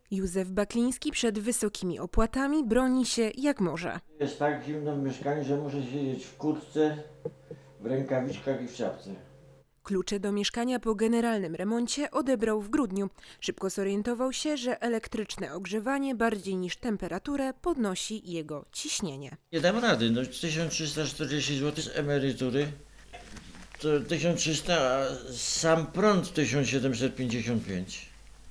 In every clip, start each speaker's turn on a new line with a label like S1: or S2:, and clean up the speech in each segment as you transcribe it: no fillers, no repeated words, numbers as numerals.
S1: Józef Bakliński przed wysokimi opłatami broni się jak może.
S2: Jest tak zimno w mieszkaniu, że muszę siedzieć w kurtce, w rękawiczkach i w czapce.
S1: Klucze do mieszkania po generalnym remoncie odebrał w grudniu. Szybko zorientował się, że elektryczne ogrzewanie bardziej niż temperaturę podnosi jego ciśnienie.
S2: Nie dam rady, 1340 zł z emerytury, to 1300, a sam prąd 1755.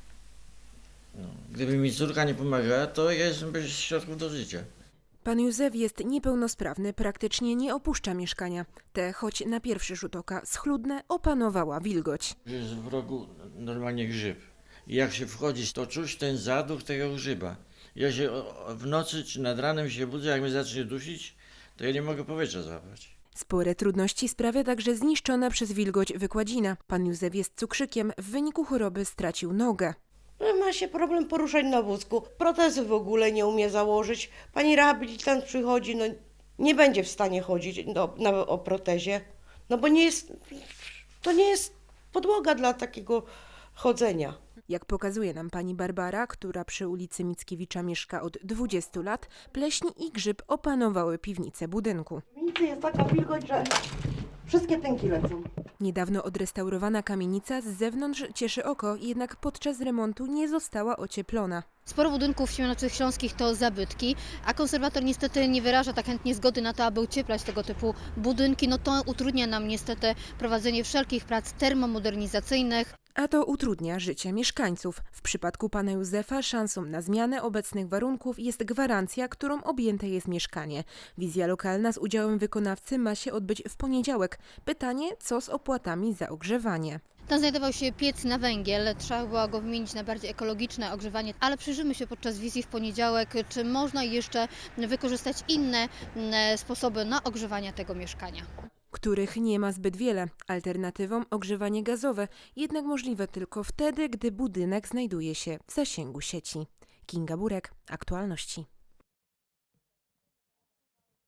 S2: Gdyby mi córka nie pomagała, to ja jestem bez środków do życia.
S1: Pan Józef jest niepełnosprawny, praktycznie nie opuszcza mieszkania. Te, choć na pierwszy rzut oka schludne, opanowała wilgoć.
S2: Jest w rogu normalnie grzyb. I jak się wchodzi, to czuć ten zaduch tego grzyba. Ja się w nocy czy nad ranem się budzę, jak mnie zacznie dusić, to ja nie mogę powietrza złapać.
S1: Spore trudności sprawia także zniszczona przez wilgoć wykładzina. Pan Józef jest cukrzykiem, w wyniku choroby stracił nogę.
S3: Ma się problem poruszać na wózku. Protezy w ogóle nie umie założyć. Pani rehabilitant przychodzi, nie będzie w stanie chodzić o protezie, bo to nie jest podłoga dla takiego chodzenia.
S1: Jak pokazuje nam pani Barbara, która przy ulicy Mickiewicza mieszka od 20 lat, pleśń i grzyb opanowały piwnicę budynku.
S3: W piwnicy jest taka wilgoć, że wszystkie tęki lecą.
S1: Niedawno odrestaurowana kamienica z zewnątrz cieszy oko, jednak podczas remontu nie została ocieplona.
S4: Sporo budynków Siemianowicach Śląskich to zabytki, a konserwator niestety nie wyraża tak chętnie zgody na to, aby ocieplać tego typu budynki. To utrudnia nam niestety prowadzenie wszelkich prac termomodernizacyjnych.
S1: A to utrudnia życie mieszkańców. W przypadku pana Józefa szansą na zmianę obecnych warunków jest gwarancja, którą objęte jest mieszkanie. Wizja lokalna z udziałem wykonawcy ma się odbyć w poniedziałek. Pytanie, co z opłatami za ogrzewanie?
S4: Tam znajdował się piec na węgiel, trzeba było go wymienić na bardziej ekologiczne ogrzewanie, ale przyjrzymy się podczas wizji w poniedziałek, czy można jeszcze wykorzystać inne sposoby na ogrzewanie tego mieszkania.
S1: Których nie ma zbyt wiele. Alternatywą ogrzewanie gazowe, jednak możliwe tylko wtedy, gdy budynek znajduje się w zasięgu sieci. Kinga Burek, Aktualności.